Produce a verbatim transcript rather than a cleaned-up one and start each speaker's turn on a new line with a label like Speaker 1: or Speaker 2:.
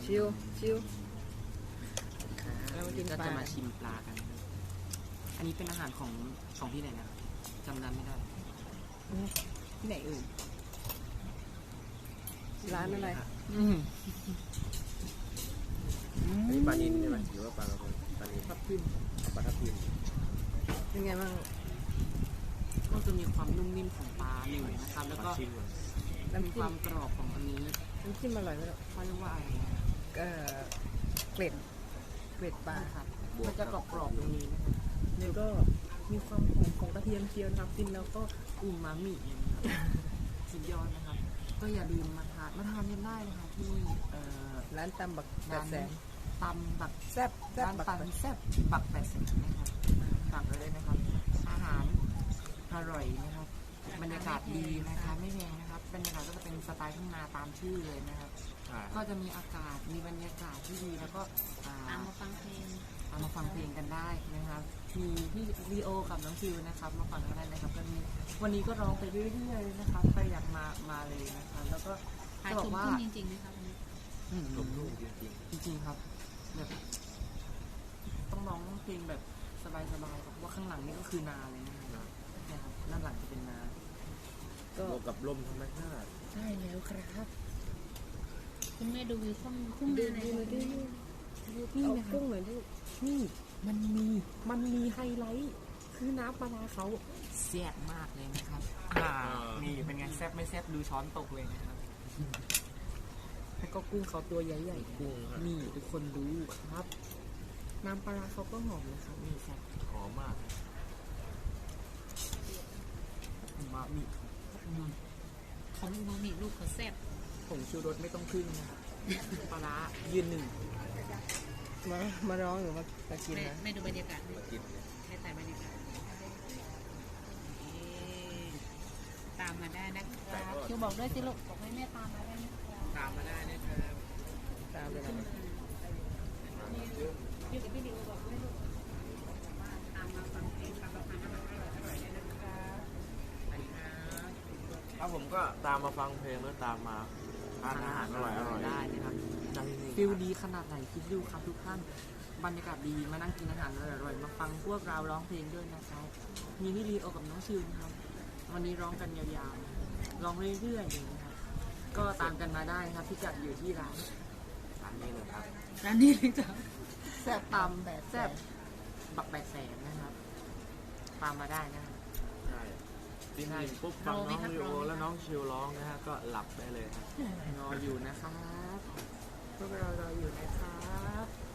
Speaker 1: ชิวชิว
Speaker 2: แล้ววันนี้ก็จะมาชิมปลากัน อันนี้เป็นอาหารของของที่ไหนนะจำร้านไม่ได้ที่ไหนเอ่ย
Speaker 1: ร้านอะไร
Speaker 2: อืม
Speaker 3: อันนี้ปลานิลใช่ไหมหรือว่าปลากระพงปลานิล
Speaker 2: ทับทิม
Speaker 3: ปลาทับทิม
Speaker 1: เป็นไงบ้าง
Speaker 2: ก็จะมีความนุ่มนิ่มของปลาหนึ่งนะครับ แล้วก็
Speaker 3: ชิมก่อน
Speaker 2: มี
Speaker 1: น้ำ
Speaker 2: ค
Speaker 1: จิ้
Speaker 2: วาม มกรอบของอันนี้
Speaker 1: น้ำจิ้มอร่อยไหมล่ะ
Speaker 2: เขาเรียกว่าอะไรนะ
Speaker 1: เออเกล็ดเกล็ดปลา
Speaker 2: ครับมันจะกรอบๆตรงนี้นะครับ
Speaker 1: แล้วก็มีความหอมของกระเทียมเจียวนะครับกินแล้วก็
Speaker 2: อูมามินะครับสุดยอดนะครับ ก็อย่าลืมมาทานมาทานกันได้นะคะที่เอ่อ
Speaker 1: ร้านตำบักแป
Speaker 2: ร้า
Speaker 1: ด
Speaker 2: น
Speaker 1: แสน
Speaker 2: ตำบัก
Speaker 1: แซ่บแซ่บ
Speaker 2: ร้าน
Speaker 1: บัก
Speaker 2: ตังแซ่บบักแปดสิบนะครับสั่งไปเลยนะครับ อาหารอร่อยนะครับ บรรยากาศดีนะคะไม่แพงนะครับ บรรยากาศก็จะเป็นสไตล์ทุ่งนาตามชื่อเลยนะครับ
Speaker 3: ใช่
Speaker 2: ก็จะมีอากาศมีบรรยากาศที่ดีแล้วก็อ่า
Speaker 4: ตามมาฟังเพลง
Speaker 2: เอามาฟังเพลงกันได้นะครับ มีพี่ลีโอกับน้องฟิวนะครับ มาฟังกันได้นะครับก็มีวันนี้ก็ร้องไปเรื่อยๆนะครับใครอยากมามาเลยนะครับแล้วก็
Speaker 4: ถ่าย
Speaker 2: จะบอ
Speaker 4: ช
Speaker 2: ก
Speaker 4: ม
Speaker 2: ว่า
Speaker 4: ทุ่งจริงๆนะคะวันนี้
Speaker 2: อืม
Speaker 3: ลมลุ่มจริง
Speaker 2: จริงๆครับแบบต้องร้องเพลงแบบสบายๆเพราะว่าข้างหลังนี่ก็คือนาเลยนะครับเนี่ยครับด้านหลังจะเป็นนา
Speaker 3: ๆ
Speaker 2: ก็
Speaker 3: บวกกับลมธรรมชาติ
Speaker 2: ใช่แล้วครับ
Speaker 4: คุณแม่ดูวิวทุ่งทุ่ง
Speaker 1: ดู
Speaker 4: นาใน
Speaker 1: ดูดู
Speaker 2: นี่
Speaker 1: เอา
Speaker 2: นะครับ
Speaker 1: กุ้งหน่อยลูก
Speaker 2: นี่มันมีมันมีไฮไลท์คือน้ำปลาร้าเขาแซ่บมากเลยนะครับ อ่านี่เป็นไงแซ่บไม่แซ่บดูช้อนตกเลยนะครับแล้วก็กุ้งเขาตัวใหญ่ๆ
Speaker 3: กุ้งฮะ
Speaker 2: นี่ทุกคนดูครับ น้ำปลาร้าเขาก็หอมนะครับนี่แซ่บ
Speaker 3: หอมมาก
Speaker 2: มามีอืม
Speaker 4: ของอูมามิลูกเขาแซ่บ
Speaker 2: ผงชูรสไม่ต้องขึ้นนะครับปลาร้ายืนหนึ่ง
Speaker 1: มามาร้องหรือมามากิน
Speaker 4: แม่
Speaker 1: นะ
Speaker 4: แม่ดูบรรยากาศ
Speaker 3: มากิน
Speaker 4: แม่ถ่ายบรรยากาศเอ๊ะตามมาได้นะครับคิวบอกด้วยสิลูกบอกให้แม่ตามมาได้นะครับ
Speaker 2: ตามมาได้นะครับ
Speaker 1: ตามไปนะ
Speaker 4: อยู่กับพี่ดิวบอกด้วยลูกตามมาฟังเพลงตามมาทานอาหารอร่อยๆได้นะครับ
Speaker 2: ไปครับ
Speaker 3: ถ้าผมก็ตามมาฟังเพลงแล้วตามมาทานอาหารอร่อยอร่อย
Speaker 2: ได้นะครับ
Speaker 3: ได้ที่นี่
Speaker 2: ฟิลดีขนาดไหนคิดดูครับทุกท่านบรรยากาศดีมานั่งกินอาหารอร่อยๆมาฟังพวกเราร้องเพลงด้วยนะครับมีพี่ลีโอกับน้องชิวนะครับวันนี้ร้องกันยาวๆร้องเรื่อยๆอย่างนี้ครับก็ตามกันมาได้ครับที่จัดอยู่ที่ร้าน
Speaker 3: ร้านนี้เลยครับ
Speaker 4: ร้านนี้เลยจ้ะ
Speaker 2: แซ่บตำแบบแซ่บบักแปดแสนนะครับตามมาได้นะครับ
Speaker 3: ใช่จริงๆปุ๊บฟังน้องวิโอแล้วน้องชิวร้องนะฮะก็หลับได้เลยครับ
Speaker 2: รออยู่นะครับ
Speaker 1: พวกเรารออยู่นะครับ